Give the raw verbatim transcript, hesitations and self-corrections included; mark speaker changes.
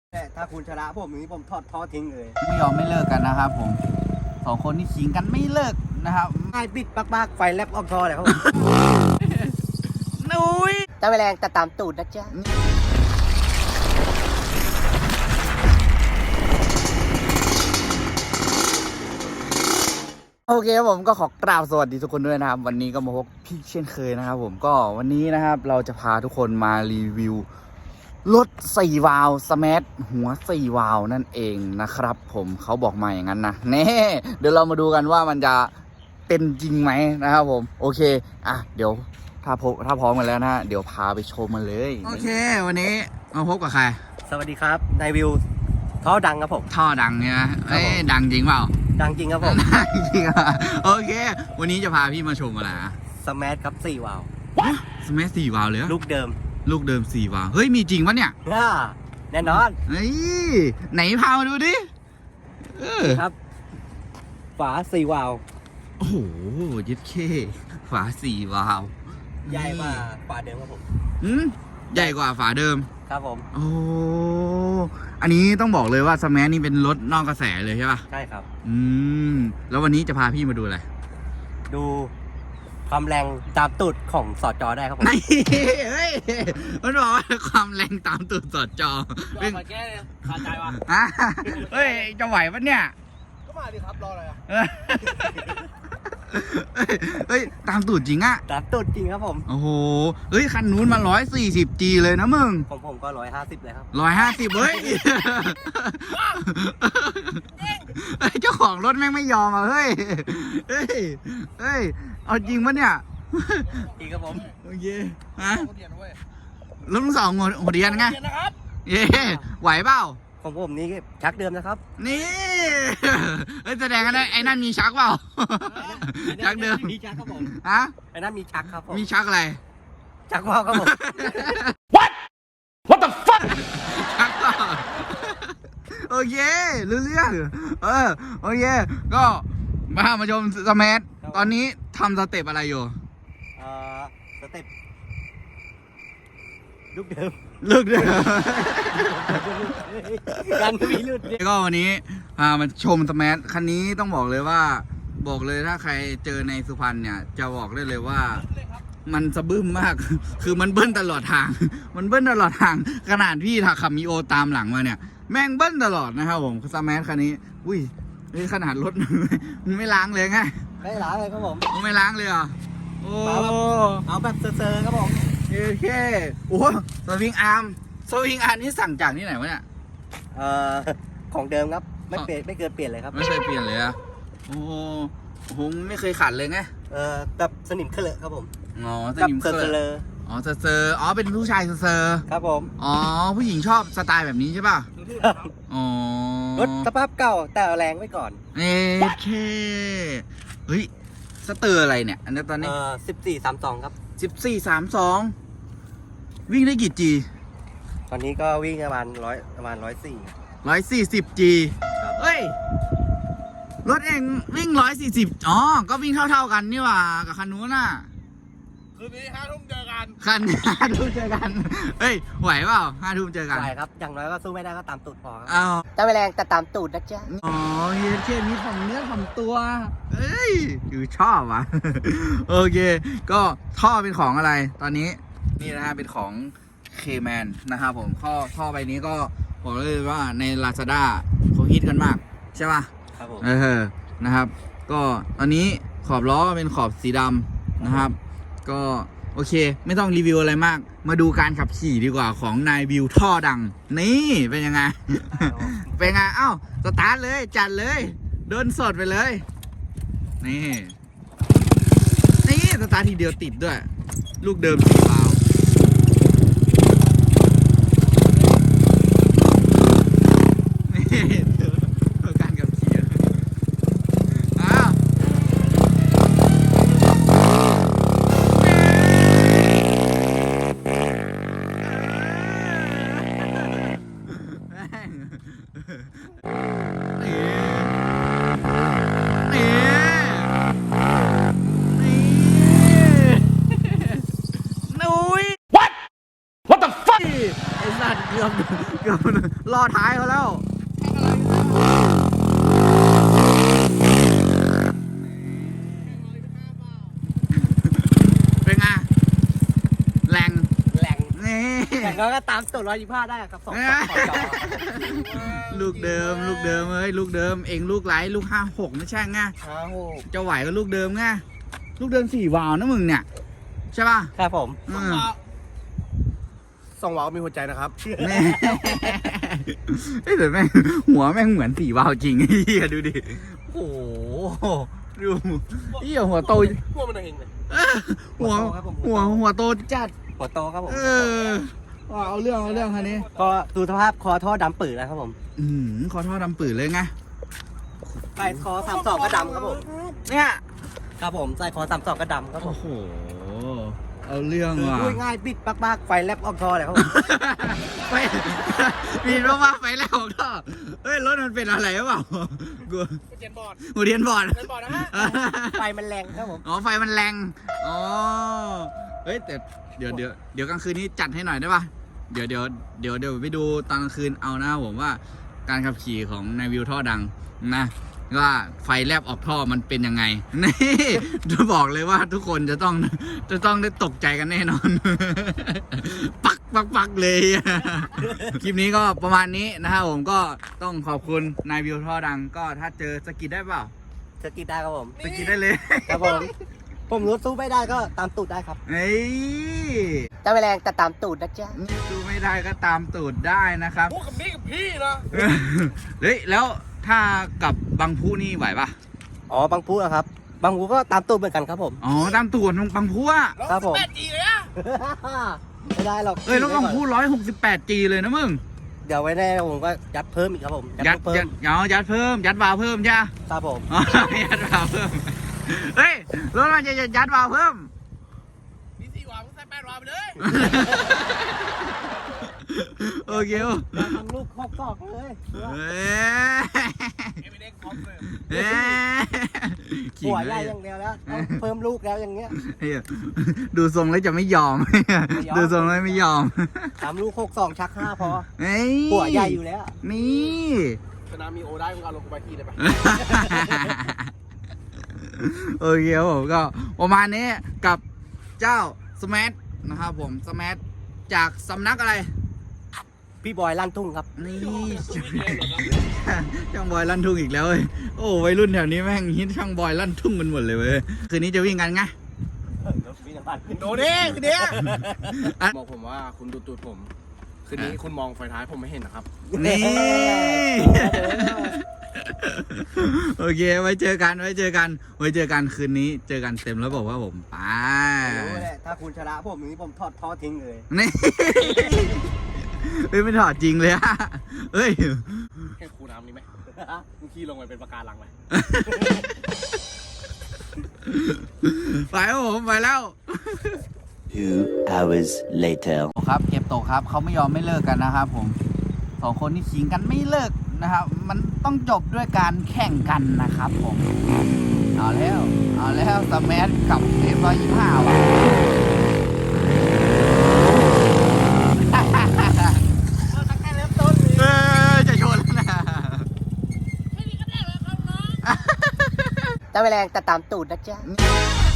Speaker 1: แต่ถ้าคุณชนะผมนี้ผมทอดท่อทิ้งเลย
Speaker 2: ไม่ยอมไม่เลิกกันนะครับผมสองคนที่ขิงกันไม่เลิกนะครับ
Speaker 1: ไอ้บิดปากๆไฟแลบออกคอเลยครับ
Speaker 2: นุ้ย
Speaker 1: จะไปแรงแต่ตามตูดนะจ๊ะ
Speaker 2: โอเคครับผมก็ขอกราบสวัสดีทุกคนด้วยนะครับวันนี้ก็มาพบพี่เช่นเคยนะครับผมก็วันนี้นะครับเราจะพาทุกคนมารีวิวรถสี่วาล์วสแมทหัวสี่วาล์วนั่นเองนะครับผมเขาบอกมาอย่างนั้นนะเน่เดี๋ยวเรามาดูกันว่ามันจะเป็นจริงไหมนะครับผมโอเคอ่ะเดี๋ยวถ้าพถ้าพร้อมกันแล้วนะเดี๋ยวพาไปชมมันเลยโอเควันนี้มาพบกับใคร
Speaker 1: สวัสดีครับนายวิวท่อดังครับผม
Speaker 2: ท่อดังเนี่ยเอ้ยดังจริงเปล่า
Speaker 1: ดังจริงครับผม
Speaker 2: ดังจริงอ่ะโอเควันนี้จะพาพี่มาชมอะไรอ่ะ
Speaker 1: สแมทครับสี่วาล์ว
Speaker 2: สแมทสี่วาล์วเลย
Speaker 1: ลูกเดิม
Speaker 2: ลูกเดิมสี่วาล์วเฮ้ยมีจริงปะเนี่ย
Speaker 1: แน่นอน
Speaker 2: เฮ้ยไหนพามาดูดิเออ
Speaker 1: ครับฝาสี่วาล์ว
Speaker 2: โอ้โหยึดเคฝาสี่วาล์ว
Speaker 1: ใหญ่กว่าฝาเดิมครับผม
Speaker 2: อืมใหญ่กว่าฝาเดิม
Speaker 1: ครับผม
Speaker 2: โอ้อันนี้ต้องบอกเลยว่าสแมทนี่เป็นรถนอกกระแสเลยใช่ป่ะ
Speaker 1: ใช่ครับ
Speaker 2: อืมแล้ววันนี้จะพาพี่มาดูอะไร
Speaker 1: ดูความแรงตามตูดของสอดจอได้ครับผม
Speaker 2: เฮ้ยมันบอกว่าความแรงตามตูดสอดจอ
Speaker 1: เป็นแก้ขาดใจวะ
Speaker 2: เฮ้ยจะไหวปะเนี่ย
Speaker 1: ก็มาดิครับรออะไรอ่ะ
Speaker 2: เฮ้ยตามตูดจริงอะ
Speaker 1: ตามตูดจริงครับผม
Speaker 2: โอ้โหเฮ้ยคันนู้นมาร้อยสี่สิบจีเลยนะมึง
Speaker 1: ของผมก็ร้อยห้าสิบเลยครับ
Speaker 2: ร้อยห้าสิบเฮ้ยเจ้าของรถแม่งไม่ยอมอ่ะเฮ้ยเฮ้ยเฮ้ยเอาจริงปะเนี่ย
Speaker 1: จริงครับผม
Speaker 2: โอเคฮะลุงสองหัวเดียนไงเย่ไหวเปล่า
Speaker 1: ของผมนี่ชักเดิมนะครับ
Speaker 2: นี่เฮ้ยแสดงกันได้ไอ้นั่นมีชักเปล่าชักเดิม
Speaker 1: มีชักครับผม
Speaker 2: ฮะ
Speaker 1: ไอ้นั่นมีชักครับผม
Speaker 2: มีชักอะไร
Speaker 1: ชักว่าวครับผม
Speaker 2: What What the fuck ชักว่าวโอเครู้เรื่องเออโอเคก็มามาชมสแมทตอนนี้ทำสเต็ปอะไรอยู่
Speaker 1: เอ่อสเต็ปลูกเดิม
Speaker 2: ลูกเดิม
Speaker 1: การมีลูก
Speaker 2: ก็วันนี้พามาชมสแมทคันนี้ต้องบอกเลยว่าบอกเลยถ้าใครเจอในสุพรรณเนี่ยจะบอกได้เลยว่ามันสะบึ้มมากคือมันเบิ้ลตลอดทางมันเบิ้ลตลอดทางขนาดพี่ถ้าขับมีโอตามหลังมาเนี่ยแม่งเบิ้ลตลอดนะครับผมสแมทคันนี้อุ้ยนี่ขนาดรถมันไม่ล้างเลยไง
Speaker 1: ไม่ล้างเลยครับผม
Speaker 2: ไม่ล้างเลยอ่ะโอ้
Speaker 1: เอาแบบเซอร์ๆครับผม
Speaker 2: โอเคโอ้สวิงอาร์มสวิงอาร์มนี่สั่งจากที่ไหนวะเนี่ย
Speaker 1: เอ่อของเดิมครับไม่เปลี่ยนไม่เกินเปลี่ยนเลยครับ
Speaker 2: ไม่เคยเปลี่ยนเลยอ่ะโอ้โหไม่เคยขัดเลยไง
Speaker 1: เออแบบสนิมเคลอะครับผม
Speaker 2: อ๋อสนิมเคลอะอ๋อเซอร์เซอร์อ๋อเป็นผู้ชายเซอร์
Speaker 1: ครับผม
Speaker 2: อ๋อผู้หญิงชอบสไตล์แบบนี้ใช่ป่ะอ๋อ
Speaker 1: รถสภาพเก่าแต่แรงไว้ก่อน
Speaker 2: เอ๊ะเคเฮ้ยสเตอร์อะไรเนี่ยอันนี้ตอนนี้
Speaker 1: เออสิบสี่สามสองครับ
Speaker 2: สิบสี่สามสองวิ่งได้กี่จี
Speaker 1: ตอนนี้ก็วิ่งประมาณร้อยประมาณร้อยสี่
Speaker 2: ร้อยสี่สิบจีเฮ้ยรถเองวิ่งร้อยสี่สิบอ๋อก็วิ่งเท่าๆกันนี่หว่ากับคันนู้นน่ะ
Speaker 1: คืนนี้ห้าทุ่มเจอกัน
Speaker 2: คันห้าทุ่มเจอกันเฮ้ยไหวเปล่าห้าทุ่มเจอกัน
Speaker 1: ไหวครับอย่างน้อยก็สู้ไม่ได้ก็ตามตูดพอครับ
Speaker 2: อ้าว
Speaker 1: จะไปแรงแต่ตามตูดนะจ๊ะ
Speaker 2: อ๋อเฮียเช่นมีของเนื้อของตัวเอ้ยอยู่ชอบว่ะโอเคก็ท่อเป็นของอะไรตอนนี้นี่นะฮะเป็นของ K-Man นะครับผมท่อท่อใบนี้ก็บอกเลยว่าใน Lazada เขาฮิตกันมากใช่ป่ะ
Speaker 1: ครับผม
Speaker 2: เออนะครับก็ตอนนี้ขอบล้อเป็นขอบสีดำนะครับก็โอเคไม่ต้องรีวิวอะไรมากมาดูการขับขี่ดีกว่าของนายวิวท่อดังนี่เป็นยังไง เป็นไงเอ้าสตาร์ทเลยจัดเลยเดินสดไปเลยนี่นี่สตาร์ททีเดียวติดด้วยลูกเดิมสี่วาล์วการขับขี่อ้าวไอ้สัตว์เกือบเกือบล่อท้ายเขาแล้วเป็นไงแรง
Speaker 1: แหล่ง
Speaker 2: นี่
Speaker 1: แหล่งก็ตามตูดร้อยยี่ห้าได้ครับสองสองจอ
Speaker 2: ลูกเดิมลูกเดิมเอ้ยลูกเดิมเองลูกไหลลูกห้าหกไม่ใช่ไง
Speaker 1: ห้าหก
Speaker 2: จะไหวก็ลูกเดิมไงลูกเดิมสี่วาล์วนะมึงเนี่ยใช่ป่ะ
Speaker 1: ครับผม
Speaker 2: อืม
Speaker 3: สองวาล์วมีหัวใจนะครับ
Speaker 2: แม่เอ้ยแต่แม่งหัวแม่งเหมือนสี่วาล์วจริงไอ้เหี้ยดูดิโอ้โหดูเหี้ยหัวโต
Speaker 3: พวกมันเองเลย
Speaker 2: หัวหัวหัวโตจัด
Speaker 1: หัวโตครับผม
Speaker 2: เออว่าเอาเรื่องเอาเรื่องคันนี้
Speaker 1: ก็ดูสภาพคอท่อดำปืดนะครับผม
Speaker 2: อืมขอโทษดำปืดเลยไง
Speaker 1: ใส่คอสามสองก็ดำครับผม
Speaker 2: เนี่ย
Speaker 1: ครับผมใส่คอสามสองก็ดำครับผ
Speaker 2: โอ้
Speaker 1: ม
Speaker 2: โหเอาเรื่อง
Speaker 1: คือ
Speaker 2: ว่ะ
Speaker 1: พูดง่ายบิดปักๆไฟแลบออกคอเลยครับผม
Speaker 2: ไปมีรถมาไฟแล้วก็เฮ้ยรถมันเป็นอะไรหรือเปล่ากู
Speaker 3: เจนบอร์ด
Speaker 2: กูเรียนบอร์ด
Speaker 3: เจนบอร์ดนะฮะ
Speaker 1: ไฟมันแรงครับผม
Speaker 2: อ๋อไฟมันแรงอ๋อเฮ้ยแต่เดี๋ยวเดี๋ยวเดี๋ยวกลางคืนนี้จัดให้หน่อยได้ป่ะเดี๋ยวเดี๋ยวเดี๋ยวเดี๋ยวไปดูตอนกลางคืนเอานะผมว่าการขับขี่ของนายวิวท่อดังนะว่าไฟแลบออกท่อมันเป็นยังไงนี่จะบอกเลยว่าทุกคนจะต้องจะต้องได้ตกใจกันแน่นอน ปักปักปักเลย คลิปนี้ก็ประมาณนี้นะครับผมก็ต้องขอบคุณนายวิวท่อดังก็ถ้าเจอสกิดได้เปล่า
Speaker 1: สกิดได้ครับผม
Speaker 2: สกิดได้เลย
Speaker 1: ครับผมผมรู้สู้ไม่ได้ก็ตามตูดได้ครับ
Speaker 2: เฮ้ย
Speaker 1: จะไม่แรงแต่ตามตูดนะจ๊ะ
Speaker 2: ดูไม่ได้ก็ตามตูดได้นะครับ
Speaker 3: พูดกับนี่กับพี่นะ
Speaker 2: เฮ้ยแล้วถ้ากับบางผู้นี่ไหวปะ
Speaker 1: อ๋อบางพูนะครับ บางพูก็ตามตูดเหมือนกันครับผม
Speaker 2: อ๋อตามตูดบางผู้อะ
Speaker 1: ครับผม
Speaker 3: แปดจีเลยอะ
Speaker 1: ไม่ได้หรอก
Speaker 2: เอ้ยแล้วบางผู้ร้อยหกสิบแปดจีเลยนะมึง
Speaker 1: เดี๋ยวไว้แน่ผมก็ยัดเพิ่มอีกครับผม
Speaker 2: ยัด
Speaker 1: เพิ่
Speaker 2: ยั
Speaker 1: ม
Speaker 2: ดอ๋อยัดเพิ่ม ยัดวาล์วเพิ่มใช่ไหม
Speaker 1: ครับผม
Speaker 2: อ๋อยัดวาล์วเพิ่มเฮ้ยรถมันจะยัดวาล์วเพิ่ม
Speaker 3: มีสี่วาล์วมึงใส่แปดวาล์วไปเลย
Speaker 2: โอเค
Speaker 1: อย่าทำลูกคอกกอกเลย
Speaker 2: เอ้ย
Speaker 3: เอเมเด็กคอมเลย
Speaker 2: เอ้ยขิง
Speaker 1: หัว
Speaker 2: เล
Speaker 1: ใหญ่
Speaker 2: ย
Speaker 1: อย่างเดียวแล้วต้องเพิ่มลูกแล้วอย่างเงี้ย
Speaker 2: เฮ้ยดูทรงแล้วจะไม่ยอม
Speaker 1: ยอม
Speaker 2: ดูทรงแล้วไม่ยอม
Speaker 1: ทำลูกหกสองชักห้าพอ
Speaker 2: เฮ้ย
Speaker 1: หัวใหญ่อยู่แล้ว
Speaker 2: นี่
Speaker 3: สนามมีโอได้มึงเอาลงกูไปที่เลยปะ
Speaker 2: โอเคครับผมก็ประมาณนี้กับเจ้าสมัทนะครับผมสมัทจากสำนักอะไร
Speaker 1: พี่บอยลั่นทุ่งครับ
Speaker 2: นี่ ช่างบอยลั่นทุ่งอีกแล้วเว้ยโอ้วัยรุ่นแถวนี้แม่งฮิตช่างบอยลั่นทุ่งกันหมดเลยเว้ยคืนนี้จะวิ่งกันไง
Speaker 3: โดนเด้คือเด้
Speaker 2: อ่ะ
Speaker 3: บอกผมว่าคุณดูตูดผม คืนนี้คุณมองไฟท้ายผมไม่เห็นนะครับ
Speaker 2: นี่ โอเคไว้เจอกันไว้เจอกันไว้เจอกันคืนนี้เจอกันเต็มแล้วบอกว่าผมไป
Speaker 1: รู้แหละถ้าคุณชนะผมอย่างนี้ผมทอดท่อทิ้งเลย
Speaker 2: นี่เฮ้ยไม่ถอดจริงเลยอะเฮ้ย
Speaker 3: แค่คูน้ำนี่ไหมมึงขี้ลงไปเป็นปะการังไหม
Speaker 2: ไปครับผมไปแล้ว
Speaker 4: Two hours later.
Speaker 2: ครับเก็บตกครับเขาไม่ยอมไม่เลิกกันนะครับผมสองคนนี่ขิงกันไม่เลิกนะครับ มันต้องจบด้วยการแข่งกันนะครับผมเอาแล้วเอาแล้วสแมัทกับเอฟร้อยยี่ห้าว่ะ เออจะโยนแล้วนะ
Speaker 1: จะไม่แรงแต่ตามตูดนะจ๊ะ
Speaker 2: เ